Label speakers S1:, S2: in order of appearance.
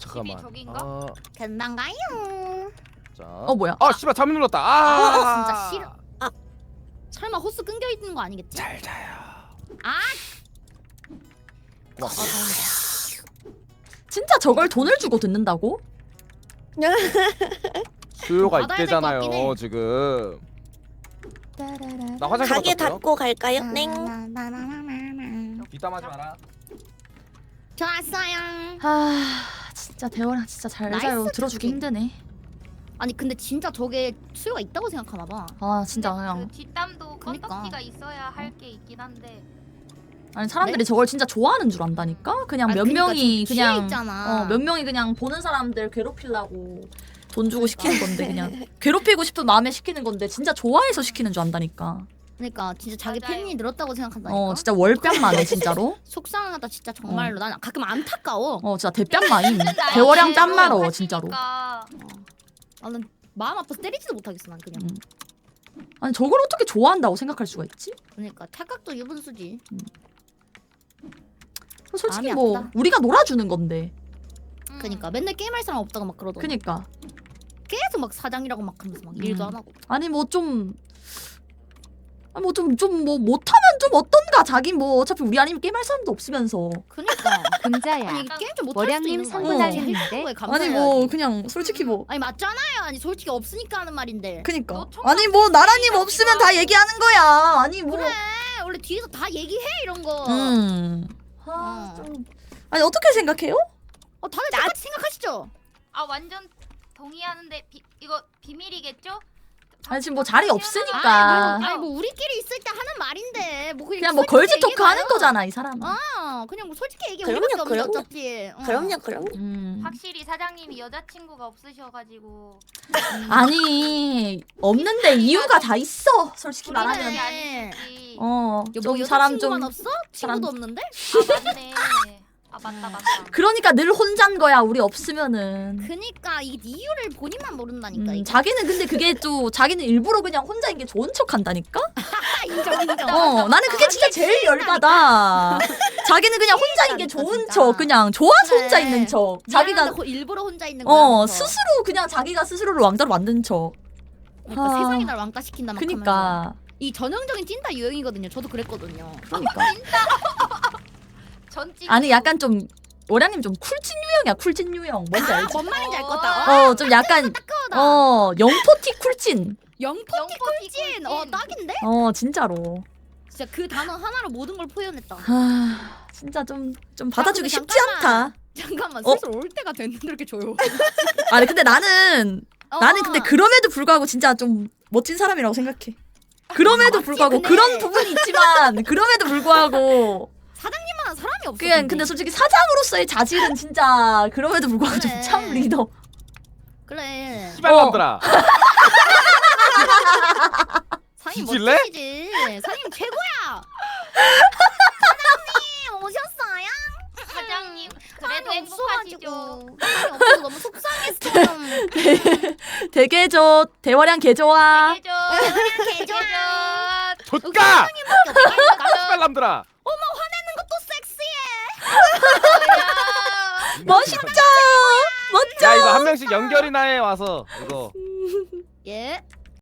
S1: 잠깐만.
S2: 저긴가?
S3: 금방 가요.
S1: 자.
S4: 뭐야?
S1: 아 씨발 잠이 눌렀다.
S3: 진짜 싫어. 설마 호스 끊겨 있는 거 아니겠지?
S1: 잘 자요.
S3: 아,
S1: 고맙습니다.
S4: 진짜 저걸 돈을 주고 듣는다고?
S1: 수요가
S3: 받아야 될것 같긴
S1: 있대잖아요
S3: 해.
S1: 지금. 나 화장실
S5: 가게
S1: 갔다 올게요.
S5: 닫고 갈까요? 넹.
S1: 뒷담하지 마라.
S3: 좋았어요.
S4: 진짜 대화랑 진짜 잘
S3: 나이스
S4: 자요. 들어주기
S3: 토끼.
S4: 힘드네.
S3: 아니 근데 진짜 저게 수요가 있다고 생각하나 봐.
S4: 진짜
S2: 근데
S4: 그냥
S2: 그 뒷담도
S3: 그니까.
S2: 껌떡지가 있어야 할 게 있긴 한데.
S4: 아니 사람들이
S3: 네?
S4: 저걸 진짜 좋아하는 줄 안다니까. 그냥 몇
S3: 그러니까
S4: 명이
S3: 좀 취해
S4: 그냥
S3: 있잖아.
S4: 몇 명이 그냥 보는 사람들 괴롭히려고 돈 주고
S3: 그러니까.
S4: 시키는 건데 그냥 괴롭히고 싶은 마음에 시키는 건데 진짜 좋아해서 시키는 줄 안다니까.
S3: 그러니까 진짜 자기
S2: 맞아요.
S3: 팬이 늘었다고 생각한다니까.
S4: 진짜 월뺨만해 진짜로.
S3: 속상하다 진짜 정말로. 난 가끔 안타까워.
S4: 진짜 대뺨마임. 대화량 뺨마러
S2: 하시니까.
S4: 진짜로.
S3: 나는 마음 아파서 때리지도 못하겠어 난 그냥.
S4: 아니 저걸 어떻게 좋아한다고 생각할 수가 있지?
S3: 그러니까 착각도 유분수지.
S4: 솔직히
S3: 마음이
S4: 뭐
S3: 아프다.
S4: 우리가 놀아주는 건데.
S3: 그러니까 맨날 게임할 사람 없다고 막 그러더니
S4: 그니까.
S3: 계속 막 사장이라고 막 하면서 막 일도 안 하고.
S4: 아니 뭐 좀 못하면 좀 어떤가. 자기 뭐 어차피 우리 아니면 게임할 사람도 없으면서.
S3: 그러니까
S6: 금자야.
S3: 아니 게임 좀 못할 수도
S6: 월양님
S3: 있는
S6: 상부
S3: 거야.
S6: 달리는데?
S4: 아니 뭐 그냥 솔직히 뭐
S3: 아니 맞잖아요. 아니 솔직히 없으니까 하는 말인데.
S4: 그니까
S2: 너 총각
S4: 아니 뭐 나라님
S2: 생각지도
S4: 없으면 다
S2: 않고.
S4: 얘기하는 거야. 아니 뭐
S3: 그래 원래 뒤에서 다 얘기해 이런 거.
S4: 좀 아니 어떻게 생각해요?
S3: 다들 똑같이 생각하시죠?
S2: 완전 동의하는데 이거 비밀이겠죠?
S4: 아니 지금 뭐 자리 없으니까
S3: 아니 뭐 우리끼리 있을 때 하는 말인데 뭐
S4: 그냥 뭐
S3: 솔직히
S4: 걸즈 토크
S3: 얘기해봐요.
S4: 하는 거잖아 이 사람.
S3: 그냥 뭐 솔직히 얘기해.
S5: 그럼요,
S3: 우리밖에 없는데
S5: 그럼요.
S3: 어차피.
S5: 그럼요.
S2: 확실히 사장님이 여자친구가 없으셔가지고.
S4: 아니 없는데 이유가 다 있어. 솔직히
S2: 우리는
S4: 말하면.
S2: 그게 아니지.
S3: 뭐
S4: 좀 사람
S3: 여자친구만
S4: 좀
S3: 없어?
S4: 사람-
S3: 친구도 없는데?
S2: 맞네. 맞다.
S4: 그러니까 늘 혼자인 거야 우리 없으면은.
S3: 그니까 이 이유를 본인만 모른다니까. 이게.
S4: 자기는 근데 그게 또 자기는 일부러 그냥 혼자인 게 좋은 척 한다니까?
S3: 인정.
S4: 나는 그게 진짜 제일 열받아. 자기는 그냥 혼자인 게
S3: 진짜,
S4: 좋은
S3: 진짜.
S4: 척 그냥 좋아서
S3: 그래.
S4: 혼자 있는 척. 자기가
S3: 미안한데 일부러 혼자 있는 거야. 그래서.
S4: 스스로 그냥 자기가 스스로를 왕따로 만든 척.
S3: 그러니까
S4: 아.
S3: 세상이 날 왕따 시킨다 막 하면서.
S4: 그니까.
S3: 이 전형적인 찐따 유형이거든요. 저도 그랬거든요.
S4: 그러니까.
S2: 전직.
S4: 아니 약간 좀 오량님 좀 쿨찐 유형이야. 쿨찐 유형. 뭔지 알지?
S3: 뭔 말인지 알 것 같다.
S4: 좀 약간
S3: 따끔하다.
S4: 영포티 쿨찐.
S3: 영포티 꿀찐. 딱인데?
S4: 진짜로.
S3: 진짜 그 단어 하나로 모든 걸 표현했다.
S4: 진짜 좀 받아주기
S3: 근데
S4: 쉽지
S3: 잠깐만.
S4: 않다.
S3: 잠깐만
S4: 어?
S3: 슬슬 올 때가 됐는데 이렇게 조용.
S4: 아니 근데 나는 근데 그럼에도 불구하고 진짜 좀 멋진 사람이라고 생각해. 그럼에도
S3: 맞지,
S4: 불구하고
S3: 근데.
S4: 그런 부분이 있지만 그럼에도 불구하고
S3: 사장님만 사람이 없어.
S4: 그냥 근데 솔직히 사장으로서의 자질은 진짜 그럼에도 불구하고
S3: 그래.
S4: 좀 참 리더.
S3: 그래.
S1: 씨발놈들아.
S3: 사장님
S1: 뒤질래?
S3: 멋지시지. 사장님 최고야. 사장님 오셨어요?
S2: 사장님 그래도
S3: 사장님
S2: 행복하시죠?
S3: 없어가지고. 사장님 없어서 너무 속상했어.
S4: 되게 대화량 개 좋아.
S2: 해줘.
S3: 개좋아.
S1: 좆가.
S3: 또
S1: 씨발놈들아.
S3: 섹시해.
S4: 멋있죠. 멋져.
S1: 야 이거 한 명씩 연결이나 해 와서 이거.
S3: 예.